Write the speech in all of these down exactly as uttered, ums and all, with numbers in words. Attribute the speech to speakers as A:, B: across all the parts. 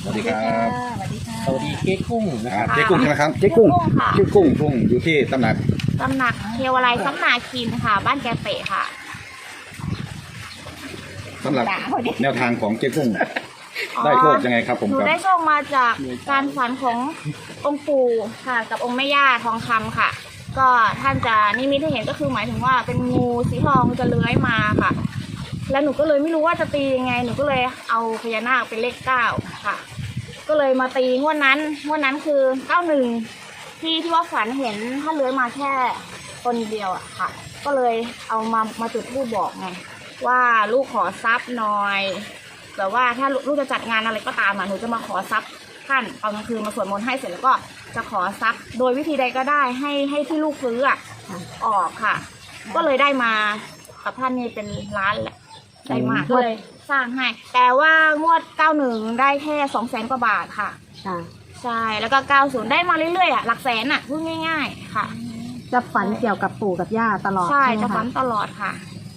A: วัสดีครับ
B: สวัสดีค่ะ
C: สวัสดีเก๊กุ้งนะครับ
A: เจ๊กุ้งใช่ไหมครับเจ๊กุ้ง
B: ค่ะ
A: ชื่อกุ้งกุ้งอยู่ที่ตำหนัก
B: ตำหนักเทวาลัยซับนาคินค่ะ บ้านแกเปะค่ะ
A: สำหรับ
B: ด่าเขาดิ
A: แนวทางของเจ๊กุ้งได้โชคยังไงครับผม
B: หนู
A: ครับ
B: ได้โชคมาจากการฝันขององค์ปู่ค่ะ กับองค์แม่ย่าทองคำค่ะ ก็ท่านจะนิมิตให้เห็นก็คือหมายถึงว่าเป็นงูสีทองจะเลื้อยมาค่ะ แล้วหนูก็เลยไม่รู้ว่าจะตียังไง หนูก็เลยเอาพญานาคเป็นเลขเก้าค่ะ ก็เลยมาตีงวดนั้นงวดนั้นคือเก้าหนึ่งที่ที่ว่าฝันเห็นท่านเลื้อยมาแค่ตนเดียวอะค่ะ ก็เลยเอามามาจุดธูปบอกไงว่าลูกขอทรัพย์หน่อยแบบว่าถ้าลูกจะจัดงานอะไรก็ตามอะหนูจะมาขอทรัพย์ท่านตอนกลางคืนมาสวดมนต์ให้เสร็จแล้วก็จะขอทรัพย์โดยวิธีใดก็ได้ให้ให้ที่ลูกซื้ออะออกค่ะ ก็เลยได้มากับท่านนี่เป็นล้านแหละได้มากก็เลยสร้างให้ แต่ว่างวดเก้าหนึ่งได้แค่สองแสนกว่าบาทค่ะ
D: ค่ะ
B: ใช่แล้วก็เก้าศูนย์ได้มาเรื่อยๆอ่ะหลักแสนอ่ะพูดง่ายๆค่ะ
D: จะฝันเกี่ยวกับปู่กับย่าตลอด
B: ใช่
D: ใช่ไหม
B: จะฝั
D: คะ
B: นตลอดค่ะ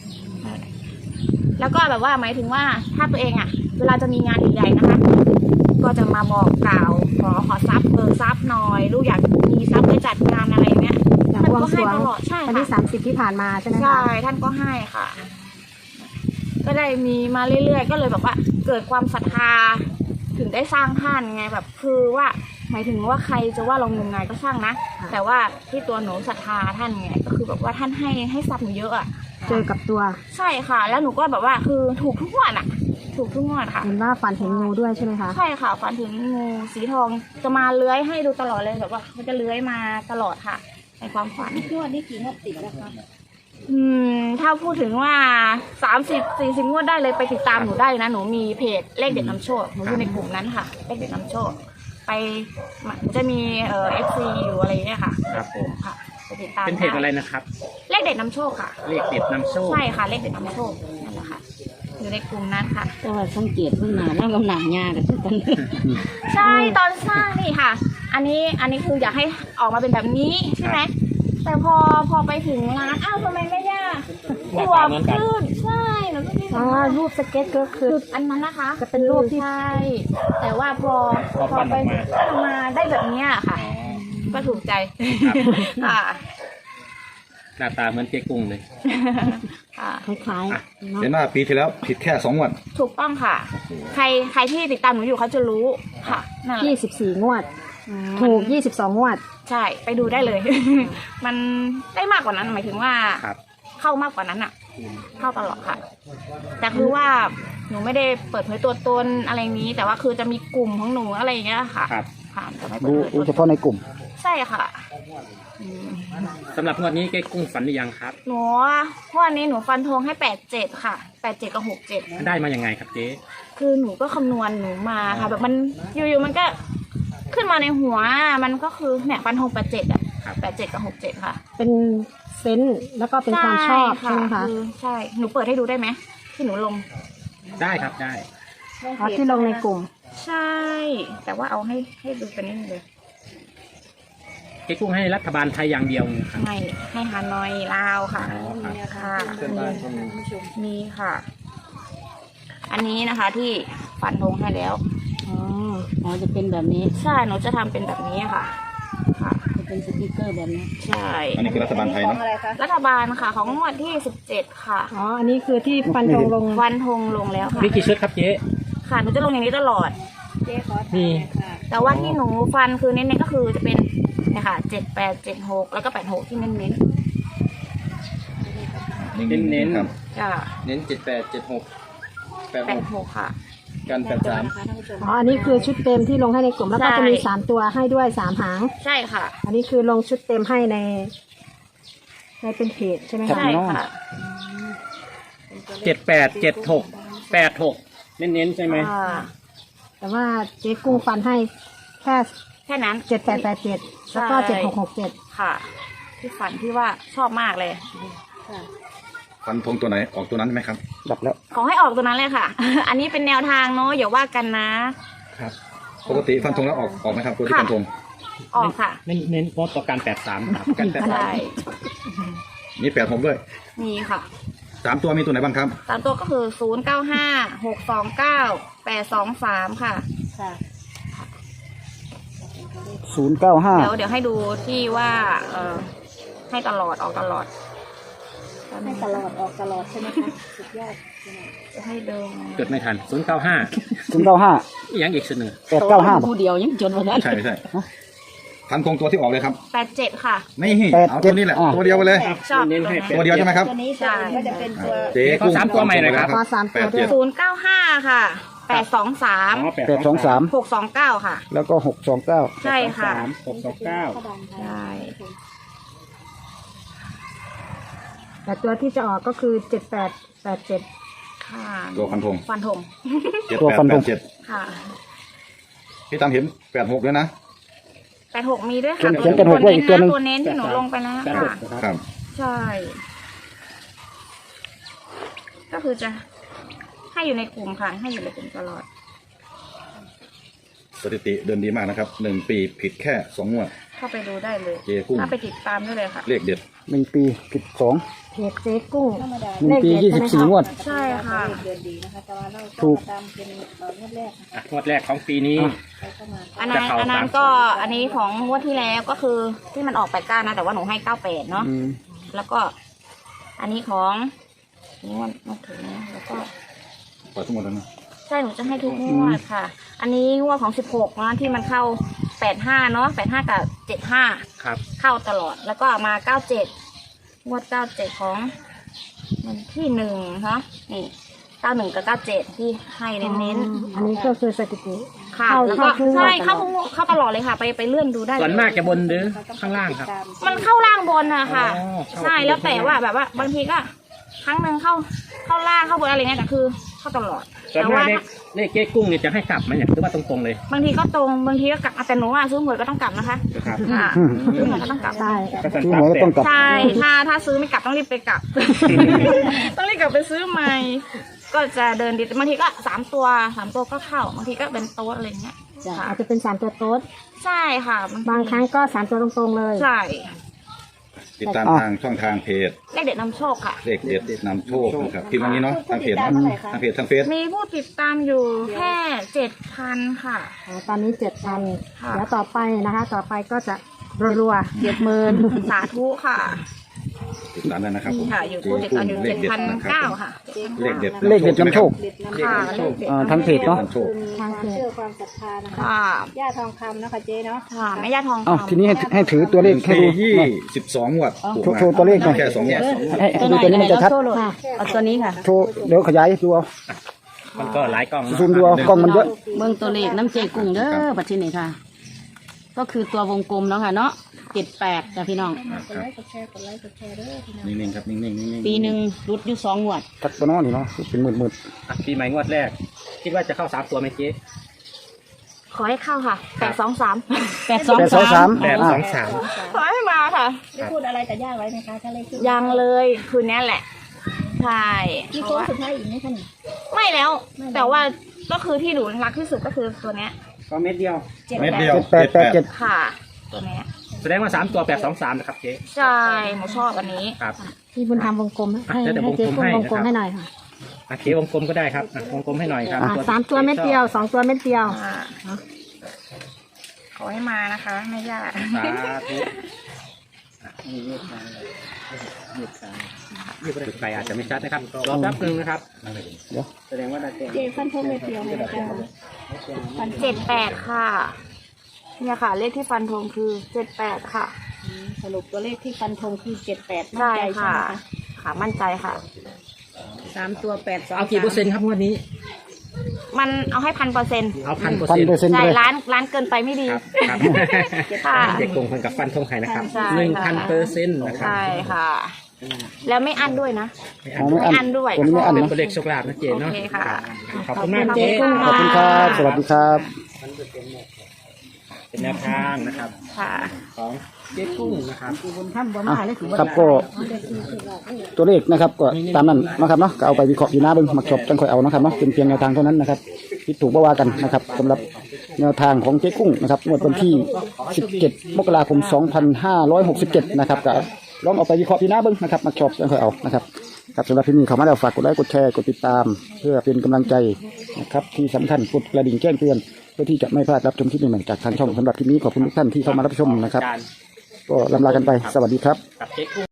B: แล้วก็แบบว่าหมายถึงว่าถ้าตัวเองอ่ะ เวลาจะมีงานใหญ่ๆนะคะ ก็จะมาบอกกล่าวขอขอทรัพย์เบิกทรัพย์หน่อยลูกอยากมีทรัพย์ไปจัดงานอะไรเนี้ย
D: อย่าง
B: ท่าน
D: บวง
B: ก็
D: ส
B: ให้
D: รวง
B: ตลอดใช่
D: วันที่
B: ค่ะ
D: สามสิบที่ผ่านมาใช่ไหมคะ
B: ใช่ท่านก็ให้ค่ะ ก็ได้มีมาเรื่อยๆก็เลยแบบว่าเกิดความศรัทธาถึงได้สร้างท่านไงแบบคือว่าหมายถึงว่าใครจะว่าเรางมงายก็ช่างนะแต่ว่าที่ตัวหนูศรัทธาท่านไงก็คือแบบว่าท่านให้ให้ทรัพย์หนูเยอะอ่ะ
D: เจอกับตัว
B: ใช่ค่ะ แล้วหนูก็แบบว่าคือถูกทุกงวดอ่ะ ถูกทุกงวดค่ะ
D: เห็นว่าฝันเห็นงูด้วยใช่ไหมคะ
B: ใช่ค่ะฝันถึงงูสีทองจะมาเลื้อยให้ดูตลอดเลยแบบว่าเขาจะเลื้อยมาตลอดค่ะ ในความฝัน
D: งวดนี้กี่งวดติดแล้วคะ
B: อืมถ้าพูดถึงว่าสามสิบสี่สิบงวดได้เลยไปติดตามหนูได้นะหนูมีเพจเลขเด็ดนำโชคหนูอยู่ในกลุ่มนั้นค่ะเลขเด็ดนำโชคไปจะมีเอ่อฟซีอยู่อะไรอย่างเงี้ยค่ะ
C: ครับผม
B: ค่ะไปติดตาม
C: เป็นเพจอะไรนะครับ
B: เลขเด็ดนำโชคค่ะ
C: เลขเด็ดนำโชค
B: ใช่ค่ะเลขเด็ดนำโชคนั่นแหละค่ะอยู่ในกลุ่มนั้นค่ะ
E: แต่ว่าสังเกตเพิ่งมาแล้วกำลังยากันทุกคน
B: ใช่ตอนสร้างนี่ค่ะ อันนี้อันนี้คืออยากให้ออกมาเป็นแบบนี้ใช่ไหมแต่พอพอไปถึงร้านอ้าวทำไมไม่ย่า
C: หน้า
B: ตัว
C: ตาเหมือนกัน
B: ขึ้นใช่หนูก็คิด
D: อ๋อ
B: ว่า
D: รูปสเก็ตก็คือ
B: คืออันนั้นนะคะ
D: จะเป็นรูปที่
B: ใช่แต่ว่าพอ
C: พอปั้น
B: ไป
C: ออกมา
B: ปั้นออกมาได้แบบเนี้ยค่ะ ก็ถูกใจค่ะ
C: หน้าตาเหมือนเก๊กุ้งเลย
B: ค่ะ
D: คล้ายๆเนาะ
A: เห็นว่าปีที่แล้วผิดแค่สองงวด
B: ถูกต้องค่ะ ใครใครที่ติดตามหนูอยู่เขาจะรู้ค่ะนั่นแหละ
D: ยี่สิบสี่งวด ถูกยี่สิบสองงวด
B: ใช่ไปดูได้เลย มันได้มากกว่านั้นหมายถึงว่า
C: ครับ
B: เข้ามากกว่านั้นอ่ะ เข้าตลอดค่ะ แต่คือว่าหนูไม่ได้เปิดเผยตัวตนอะไรนี้ แต่ว่าคือจะมีกลุ่มของหนูอะไรอย่างเงี้ยค่ะ
C: ครับ
B: ค่ะจะไม่เปิ
A: ดู
B: ดเผย
A: ดู
B: ตัว
A: เฉ
B: ตน
A: พาะในกลุ่ม
B: ใช่ค่ะ
C: สำหรับงวดนี้เก๊กุ้งฝันหรือยังครับ
B: หนูวันนี้หนูฟันธงให้แปดเจ็ดค่ะแปดเจ็ดกับหกเจ็ด
C: ได้มายังไงครับเจ๊
B: คือหนูก็คำนวณหนูมาค่ะ แบบมันอยู่ๆมันก็ขึ้นมาในหัวมันก็คือเนี่ยฟันธงแปดเจ็ดอ่ะแปดเจ็ดกับหกเจ็ดค่ะ
D: เป็นเซนส์แล้วก็เป็นความชอบใช่ไหมคะ
B: อใช่หนูเปิดให้ดูได้ไหมที่หนูลง
C: ได้ครับได้
D: อ๋อที่ลงในกลุ่ม
B: ใช่ แต่ว่าเอาให้ให้ดูเป็นนิดนึงเลย
C: เก๊กุ้งให้รัฐบาลไทยอย่างเดียวนะครับ
B: ไม่ให้ฮานอยลาวค่ะ
C: อ๋อครับ
B: ค่ะมีค่ะ อันนี้นะคะที่ฟันธงให้แล้ว
E: อ๋ออ๋อจะเป็นแบบนี้
B: ใช่หนูจะทำเป็นแบบนี้ค่ะ ค่ะ
E: จะเป็นสติกเกอร์แบบนี้
B: ใช่
A: อันนี้คือรัฐบาลไทยเนาะ
B: รัฐบาลค่ะ ของงวดที่สิบเจ็ดค่ะ
D: อ๋อ อันนี้คือที่ฟันธงลง
B: ฟันธงลงแล้วค่ะ
C: มีกี่ชุดครับเจ๊
B: ค่ะหนูจะลงอย่างนี้ตลอด
C: มี
B: แต่ว่าที่หนูฟันคือเน้นๆก็คือจะเป็นเนี่ยค่ะเจ็ดแปดเจ็ดหกแล้วก็แปดหกที่เน้น
C: เน้น
A: ครับ
B: ๆจ้ะ
C: เน้นเจ็ดแปดเจ็ดหกแปด
B: แปดหกค่ะ
C: กันแปดสาม
D: อ๋อ อันนี้คือชุดเต็มที่ลงให้ในกลุ่มแล้วก็
B: ใช่
D: จะมีสามตัวให้ด้วยสามหาง
B: ใช่ค่ะ
D: อันนี้คือลงชุดเต็มให้ในในเป็นเพจใช่ไหมคะ
B: ใช่ค่ะ
C: เจ็ดแปดเจ็ดหกแปดหกเน้นๆใช่ไหม
B: อ่า
D: แต่ว่าเจ๊กุ้งฟันให้แค่
B: แค่นั้น
D: เจ็ดแปดแปดเจ็ดแล้วก็
B: ใช่
D: เจ็ดหกหกเจ็ด
B: ค่ะ ที่ฝันที่ว่าชอบมากเลย
A: ฟันธงตัวไหนออกตัวนั้นไหมครับดับแล้ว
B: ขอให้ออกตัวนั้นเลยค่ะ อันนี้เป็นแนวทางเนาะอย่าว่ากันนะ
A: ครับปกติฟันธงแล้วออกออกไหมครับตัวที่ฟันธง
B: ออกค่ะ
C: เน้นเน้นโพสต์ต่อการแปดสามครับกันแปดสาม
B: ใช่
A: มีแปดผมด้วย
B: มีค่ะ
A: สามตัวมีตัวไหนบ้างครับ
B: สามตัวก็คือศูนย์เก้าห้าหกสองเก้าแปดสองสามค่ะ
E: ค่ะ
F: ศูนย์เก้าห้า
B: เดี๋ยวเดี๋ยวให้ดูที่ว่าเออให้ตลอดออกตลอด
D: ให้ตลอดออกตลอดใช่ไหมคะสุดยอด
B: จะให้ดู
C: จดไม่ทันศูนย์เก้าห้า
F: ศูนย์เก้าห้า
C: ยังอีกเสนอ
F: แปดเก้าห้า
E: ผู้เดียวยังจนวันนั้น
A: ใช่ใช่ฟันธงตัวที่ออกเลยครับ
B: แปดเจ็ดค่ะ
A: นี่เอาตัวนี้แหละตัวเดียวไปเลย
B: ชอบ
C: เน้นให้
A: ตัวเดียวใช่ไหมครับ
D: ตัวนี้ตัวอื่นก็จะเป็นตัว
A: เจ๊
C: ขอสามตัวใหม่หน่อยครับ
D: ขอสามตัวด้วย
B: ศูนย์เก้าห้าค่ะแปดสองสาม
C: อ๋อแปด
F: แปดสองสาม
B: หกสองเก้าค่ะ
F: แล้วก็หกสองเก้า
B: ใช่ค่ะ
C: สามหกสองเก้า
B: ใช่
D: แต่ตัวที่จะออกก็คือเจ็ดแปดแปดเจ็ด
B: ค่ะ
A: ตัวฟันธง
B: ฟันธง
A: เจ็ดแปดแปดเจ็ด
B: ค่ะ
A: พี่ตามเห็นแปดหกด้วยนะ
B: แปดหกมีด้วย
F: เขีย
B: ค่ะ
F: นเขียนเป็นหกไว้อีกตัวหนึ่ง
B: ตัวเน้นที่หนูลงไปแล้ว
C: แปดหก
B: ค่ะ
C: นะครับ
A: ครับ
B: ใช่ ก็คือจะให้อยู่ในกลุ่มค่ะ ให้อยู่ในกลุ่มตลอด
A: สถิติเดินดีมากนะครับหนึ่งปีผิดแค่สองงวด
B: เข้าไปดูได้เลย
A: เจ๊กุ้ง
B: เข้าไปติดตามได้เลยค่ะ
A: เลขเด็ด
F: หนึ่งปีผิดสอง
D: เพจเจ๊กุ้ง
F: หนึ่งปียี่สิบสี่งวด
B: ใช่ค่ะ
F: ถูก
C: อ่ะงวดแรกของปีนี้
B: อันนั้น
C: จะเข้า
B: อันนั้น
C: สาม
B: ก็อันนี้ของงวดที่แล้วก็คือที่มันออกแปดเก้านะ แต่ว่าหนูให้เก้าแปดเนาะ
F: อืม
B: แล้วก็อันนี้ของงวดมาถึงนะแล้วก็
A: ปล่อยทั้งหมดแล้วนะ
B: ใช่หนูจะให้ทุกงวดค่ะ อันนี้งวดของสิบหกนะที่มันเข้าแปดห้าเนาะแปดห้ากับเจ็ดห้า
C: ครับ
B: เข้าตลอด แล้วก็มาเก้าเจ็ดงวดเก้าเจ็ดของวันที่หนึ่งคะนี่เก้าหนึ่งกับเก้าเจ็ดที่ให้เน้น
D: อันนี้ก็คือสถิติ
B: ๆค่ะ
D: เข้า
B: แล้วก็
D: เข้าทุกงวด
B: ใช่เข้าทุกงวดเข้าตลอดเลยค่ะ ไปไปเลื่อนดูได้
C: ส่วน
B: เลย
C: มากจะบนหรือข้างล่างครับ
B: มันเข้าล่างบนอะค่ะ
C: อ๋อเข้า
B: ใช่แล้วแต่ว่าแบบว่า บางทีก็ ครั้งหนึ่งเข้าเข้าล่างเข้าบนอะไรเงี้ยแต่คือเข้าตลอด
C: ส่วน
B: แต่
C: มาก
B: ว่า
C: เลขเลขเจ๊กุ้งเนี่ยจะให้กลับไหมเนี่ยหรือว่าตรงๆเลย
B: บางทีก็ตรงบางทีก็กลับแต่หนูว่าซื้อหวยก็ต้องกลับนะคะ
C: นะครับ
B: ค่ะซื้อหวยก็ต้องกลับ
D: ใช่
C: ก็จะ
F: ซื้อหวยก็ต้องกลับ
B: ใช่ ถ้าถ้าซื้อไม่กลับต้องรีบไปกลับ ต้องรีบกลับไปซื้อใหม่ ก็จะเดินดีบางทีก็สามตัวสามตัวก็เข้า บางทีก็เป็นโต๊ดอะไรเงี้ยค่ะ
D: อาจจะเป็นสามตัวโต๊ด
B: ใช่ค่ะ
D: บางครั้งก็สามตัวตรงๆเลย
B: ใช่
A: ติดตามทางช่องทางเพจ
B: เลขเด็ดนำโชคค่ะ
A: เลขเด็ดนำโชคนะครับพิมพ์อันนี้เนาะทางเพจเนาะทางเพจทางเฟซ
B: มีผู้ติดตามอยู่แค่เจ็ดพันค่ะ
D: อ๋อตอนนี้เจ็ดพัน
B: ค่ะ
D: เดี๋ยวต่อไปนะคะ ต่อไปก็จะรัวๆเจ็ดหมื่น
B: สาธุค่ะ
A: ติดตามได้นะครับผม
B: ค่ะ อยู่ผู้ติดตามอยู่เจ็ดพันเก้าค่ะ
A: เลขเด็ด
F: เลขเด็ดนำโชค
B: ค่ะเลขเด็ด
F: อ่าทางเพจเนาะ
A: นำโชค
D: ทางเพจ
B: ค่ะ
D: ย่าทองคำนะคะเจ๊เนาะ
B: ค่ะแม่ย่าทอง
F: อ้าว
B: คำ
F: ทีนี้ให้ให้ถือตัวเลขให้
A: ปี
F: ดู
A: ยี่
F: หน่อย
A: สิบสองงวดถูก
F: โชว์
A: มา
F: โชว์ตัวเลขหน่อย
A: แค่สองงวด
F: ให้ให้ดูตัวนี้มันจะชัด
D: ค่ะ
E: เอาตัวนี้ค่ะ
F: โชว์เดี๋ยวขยายดูเอา
C: มันก็หลายกล้อง
F: ซูมดูเอากล้องมันเยอะ
E: เบิ่งตัวเลขน้ำเจกุ้งเด้อบัดที่นี่ค่ะ ก็คือตัววงกลมเนาะค่ะเนาะเจ็ดแปดจ้ะพี่น้อง
A: นิ่งๆครับนิ่งๆนิ่งๆ
E: ปีหนึ่งรุดอยู่สองงวด
F: ทักตัวน้อนี่เนาะเป็นหมื่นหมื่น
C: อ่ะปีใหม่งวดแรก คิดว่าจะเข้าสามตัวไหมเจ๊
B: ขอให้เข้าค่ะแปดสองสาม
E: แปดสอง
F: แปดสองสา
E: สาม ม
C: แปดสองสาม
B: ขอให้มาค่ะ
D: ได้พูดอะไรกับย่าไว้ไหมคะถ้าเลขขึ้น
B: ยังเลยคืนนี้แหละ ใช่
D: มี
B: เพ
D: โค้
B: ราะ
D: ง
B: ว่า
D: สุดท้ายอีกไหมคะนี่
B: ไม่แล้ว แต่ว่าก็คือที่หนูรักที่สุดก็คือตัวเนี้ย
C: ก็เม็ดเดียว
A: เม็ดเดียว
F: เจ็ดแปดแปดเจ็ด
B: ค่ะ ตัวเนี้ย
C: แสดงว่าสามตัวแปดสองสามนะครับเจ๊
B: ใช่หนูชอบอันนี้
C: ครับ
D: พี่บุญธรรมวงกลมให้
C: อ่ะเดี๋ยว
D: ให้เจ๊กุ้ง
C: ว
D: ว
C: ง
D: ง
C: ก
D: ก
C: ล
D: ล
C: ม
D: ม
C: ให้
D: ให้
C: ห
D: ห
C: น่
D: น่
C: อ
D: อย ยค่ะ
C: อ่ะเจ๊วงกลมก็ได้ครับอ่ะวงกลมให้หน่อยครับ
D: อ่ะ
C: ตัว
D: สามตัวเม็ดเดียวสองตัวเม็ดเดียว
B: อ่าขอให้มานะคะแม่ย่า
C: สาธุอ่ะนี่เลขมาเลยเลขสามจุดไปอาจจะไม่ชัดนะครับรอแป๊บนึงนะครับ
F: เดี๋ยว
C: แสดงว่าได้เต็ม
D: เจ๊ฟันธงเม็ดเดียวเลยนะคะ
B: เจ็ดแปดค่ะ เนี่ยค่ะ เลขที่ฟันธงคือเจ็ดแปดค่ะ
D: สรุปตัวเลขที่ฟันธงคือเจ็ดแปด
B: ใช่ค่ะ ค่ะ มั่นใจค่ะ
E: สามตัวแปดสอง
C: เอากี่เปอร์เซ็นต์ครับงวดนี้
B: มันเอาให้พันเปอร์เซ็นต์
C: เอาพันเปอร์
F: พัน
C: เซ็นต์
F: เปอร์เซ็นต์
B: ใช่
F: เลย
B: ร้านร้านเกินไปไม่ดี
C: ครับครับ
B: ค่ะ
C: เด็กโกงคนกับฟันทงไข่นะครับ
B: ใช่
C: หนึ่ง
B: ค่ะ
C: พันเปอร์เซ็นต์นะครับ
B: ใช่ค่ะ แล้วไม่อั้นด้วยนะ
F: อ๋อไม่
B: ไม่
F: อัน
B: อั้นด้วย
F: ตัวนี้ไม่อัน
C: เป็น
F: นะ
C: ตัวเลขโชคลาภนะเจน
B: โอ
C: เนาะ
B: เคค่ะ
C: ขอบคุณมากเจ๊
F: ขอบคุณครับสวัสดีครับ
C: เป็นแนวทางนะครับ
B: ค่ะ
C: ของเจ๊กุ้งนะครับ
E: บุญธรรมบ่มาเลยสิบ่
F: ครับก็ตัวเลขนะครับก็ตามนั้นนะครับเนาะก็เอาไปวิเคราะห์อยู่หน้าเบิ้งมักชอบจังค่อยเอานะครับเนาะเป็นเพียงแนวทางเท่านั้นนะครับที่ถูกบ่ว่ากันนะครับสำหรับแนวทางของเจ๊กุ้งนะครับงวดวันที่สิบเจ็ดมกราคมสองพันห้าร้อยหกสิบเจ็ดนะครับก็ลองเอาไปวิเคราะห์อยู่หน้าเบิ้งนะครับมักชอบจังค่อยเอานะครับครับสำหรับที่นี่เขามาแล้วฝากกดไลค์กดแชร์กดติดตาม เพื่อเป็นกำลังใจนะครับที่สำคัญกดกระดิ่งแจ้งเตือนพื่อที่จะไม่พลาดรับชมคลิปใหม่ๆจากทางช่องสำหรับคลิปนี้ขอบคุณทุกท่านที่เข้ามารับชมนะครับ
C: อาจารย์
F: ก็ลำลากันไปสวัสดีครับ
C: กับเจ๊กุ้ง